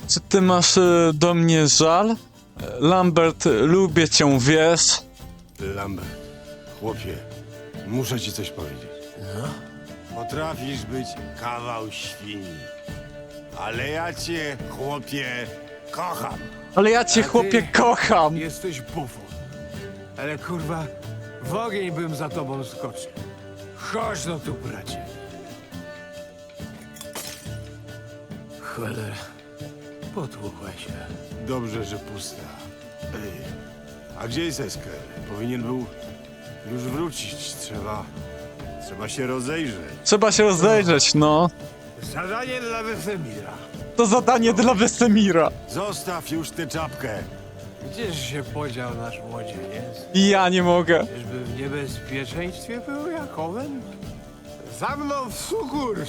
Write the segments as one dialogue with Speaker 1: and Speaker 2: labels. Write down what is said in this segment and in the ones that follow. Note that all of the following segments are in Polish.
Speaker 1: Czy ty masz do mnie żal? Lambert, lubię cię, wiesz?
Speaker 2: Lambert, chłopie, muszę ci coś powiedzieć. Potrafisz być kawał świni, ale ja cię, chłopie, kocham.
Speaker 1: Ale ja cię,
Speaker 3: A ty-
Speaker 1: chłopie, kocham!
Speaker 3: Jesteś bufon. Ale kurwa, w ogień bym za tobą skoczył. Chodź no tu, bracie. Cholera, potłukła się.
Speaker 2: Dobrze, że pusta. Ej, a gdzie jest Esker? Powinien był już wrócić. Trzeba się rozejrzeć.
Speaker 1: Trzeba się rozejrzeć, no.
Speaker 3: Zadanie dla Wesemira.
Speaker 1: To zadanie dla Wesemira.
Speaker 2: Zostaw już tę czapkę.
Speaker 3: Gdzież się podział nasz młodzieniec?
Speaker 1: I ja nie mogę.
Speaker 3: Czyżby w niebezpieczeństwie był jak owen? Za mną w sukurs!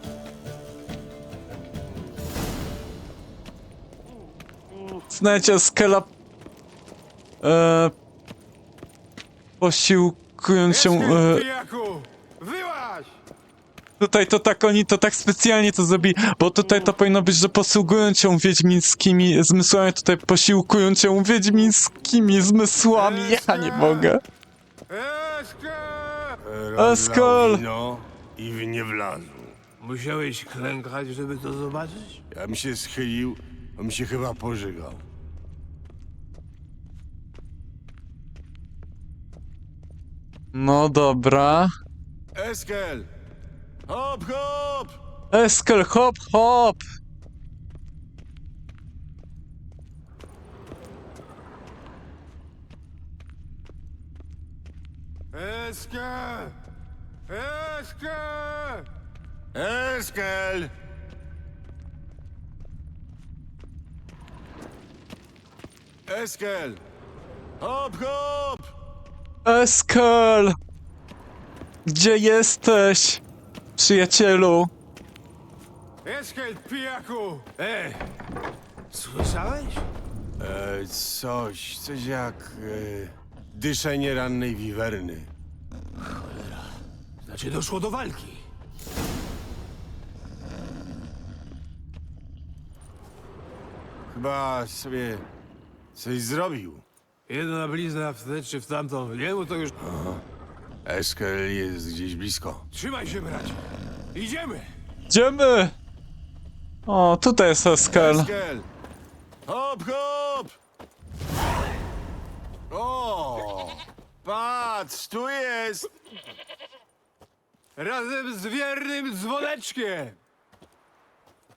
Speaker 1: Znajdźcie Skela... posiłkując się...
Speaker 3: Esker, pijaku! Wyłaź!
Speaker 1: Tutaj to tak, oni to tak specjalnie to zrobili, bo tutaj to powinno być, że posługują cię wiedźmińskimi zmysłami, tutaj posiłkują cię wiedźmińskimi zmysłami, ja nie mogę.
Speaker 3: Esker!
Speaker 1: Eskol!
Speaker 2: Wino i w nie wlazł.
Speaker 3: Musiałeś klękać, żeby to zobaczyć?
Speaker 2: Ja bym się schylił, on mi się chyba pożygał.
Speaker 1: No dobra.
Speaker 2: Eskel! Hop, hop!
Speaker 1: Eskel, hop, hop!
Speaker 3: Esker! Esker!
Speaker 2: Eskel! Eskel! Hop, hop!
Speaker 1: Eskel! Gdzie jesteś, przyjacielu?
Speaker 3: Esker, pijaku! Słyszałeś?
Speaker 2: Coś jak dyszenie rannej wiwerny.
Speaker 3: Znaczy doszło do walki.
Speaker 2: Chyba sobie coś zrobił.
Speaker 3: Jedna blizna w tę czy w tamtą. Jemu to już...
Speaker 2: Eskel jest gdzieś blisko.
Speaker 3: Trzymaj się, bracie. Idziemy!
Speaker 1: Idziemy! O, tutaj jest Eskel.
Speaker 2: Eskel! Hop, hop! O! Patrz, tu jest!
Speaker 3: Razem z wiernym dzwoneczkiem!